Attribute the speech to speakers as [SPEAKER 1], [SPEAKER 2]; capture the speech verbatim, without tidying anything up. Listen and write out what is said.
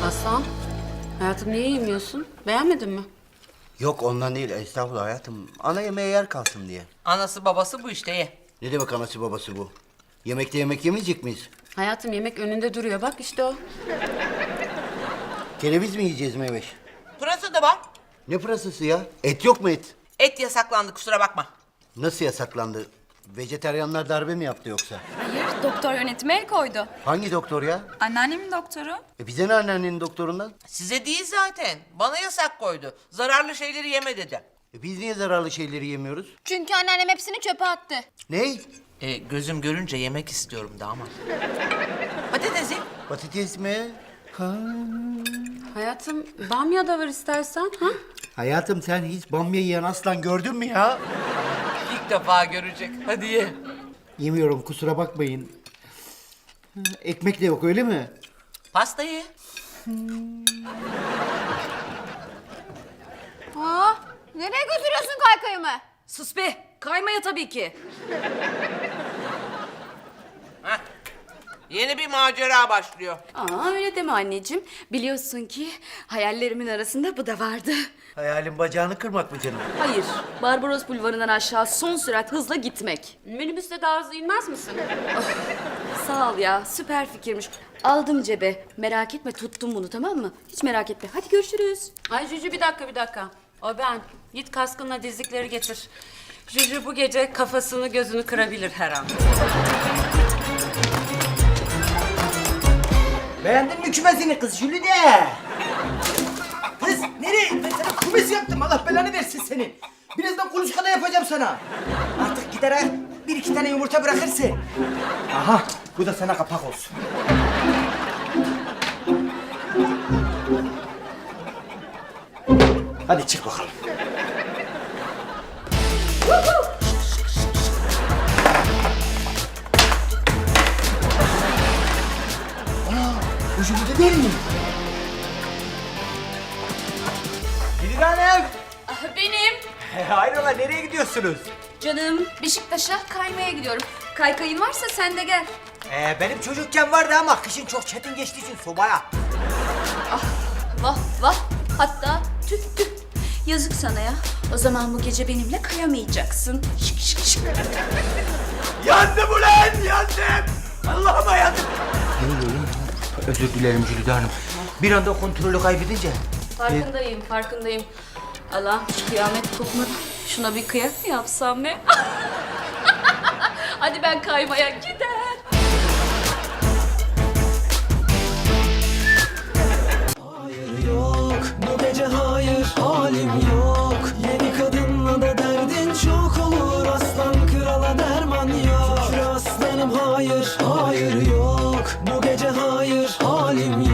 [SPEAKER 1] Aslan, hayatım niye yemiyorsun? Beğenmedin mi?
[SPEAKER 2] Yok ondan değil estağfurullah hayatım. Ana yemeğe yer kalsın diye.
[SPEAKER 3] Anası babası bu işte ye.
[SPEAKER 2] Ne demek anası babası bu? Yemekte yemek yemeyecek miyiz?
[SPEAKER 1] Hayatım yemek önünde duruyor. Bak işte o.
[SPEAKER 2] Kereviz mi yiyeceğiz Meyveş?
[SPEAKER 3] Pırasa da var.
[SPEAKER 2] Ne pırasası ya? Et yok mu et?
[SPEAKER 3] Et yasaklandı kusura bakma.
[SPEAKER 2] Nasıl yasaklandı? Vejeteryanlar darbe mi yaptı yoksa?
[SPEAKER 4] Hayır, doktor yönetime el koydu.
[SPEAKER 2] Hangi doktor ya?
[SPEAKER 4] Anneannemin doktoru.
[SPEAKER 2] E bize ne anneannenin doktorundan?
[SPEAKER 3] Size değil zaten. Bana yasak koydu. Zararlı şeyleri yeme dedi.
[SPEAKER 2] E biz niye zararlı şeyleri yemiyoruz?
[SPEAKER 4] Çünkü anneannem hepsini çöpe attı.
[SPEAKER 2] Ney?
[SPEAKER 3] E, gözüm görünce yemek istiyorum damat. Patatesi.
[SPEAKER 2] Patates mi? Ha.
[SPEAKER 1] Hayatım bamya da var istersen. Ha?
[SPEAKER 2] Hayatım sen hiç bamya yiyen aslan gördün mü ya?
[SPEAKER 3] İlk defa görecek. Hadi ye.
[SPEAKER 2] Yemiyorum kusura bakmayın. Ha, ekmek de yok öyle mi?
[SPEAKER 3] Pasta ye.
[SPEAKER 4] Aa, nereye götürüyorsun kaykayımı?
[SPEAKER 5] Sus be! Kaymaya tabii ki.
[SPEAKER 3] Heh. Yeni bir macera başlıyor.
[SPEAKER 5] Aa öyle deme anneciğim. Biliyorsun ki hayallerimin arasında bu da vardı.
[SPEAKER 2] Hayalin bacağını kırmak mı canım?
[SPEAKER 5] Hayır, Barbaros Bulvarı'ndan aşağı son sürat hızla gitmek.
[SPEAKER 1] Minibüste daha hızlı inmez misin?
[SPEAKER 5] Sağ ol ya, süper fikirmiş. Aldım cebe. Merak etme, tuttum bunu tamam mı? Hiç merak etme. Hadi görüşürüz.
[SPEAKER 1] Ay Cücü bir dakika bir dakika. O ben. Git kaskınla dizlikleri getir. Cücü bu gece kafasını gözünü kırabilir her an.
[SPEAKER 6] Beğendin mi kümesini kız Jülide? Kız nereye? Ben sana kümes yaptım. Allah belanı versin seni. Birazdan kuluçkada yapacağım sana. Artık gider ha. Bir iki tane yumurta bırakırsın. Aha bu da sana kapak olsun. Hadi çık bakalım. Bu Jülide değil mi? Jülide Hanım.
[SPEAKER 5] Ah, benim.
[SPEAKER 6] Hayrola nereye gidiyorsunuz?
[SPEAKER 5] Canım, Beşiktaş'a kaymaya gidiyorum. Kaykayın varsa sen de gel.
[SPEAKER 6] Ee, benim çocukken vardı ama kışın çok çetin geçtiği için sobaya.
[SPEAKER 5] Vah vah. Hatta tüh tüh. Yazık sana ya. O zaman bu gece benimle kayamayacaksın. Şık şık şık.
[SPEAKER 6] Yandım ulan yandım. Allah'ıma yandım. Ne oluyor lan? Özür dilerim Jülide Hanım. Bir anda kontrolü kaybedince.
[SPEAKER 1] Farkındayım, farkındayım. Allah kıyamet kopmadı. Şuna bir kıyak mı yapsam ne?
[SPEAKER 5] Hadi ben kaymaya gider.
[SPEAKER 7] Hayır yok, bu gece hayır, halim yok. Yeni kadınla da derdin çok olur, aslan krala derman yok. Şükür aslanım hayır, hayır yok, bu gece hayır, halim yok.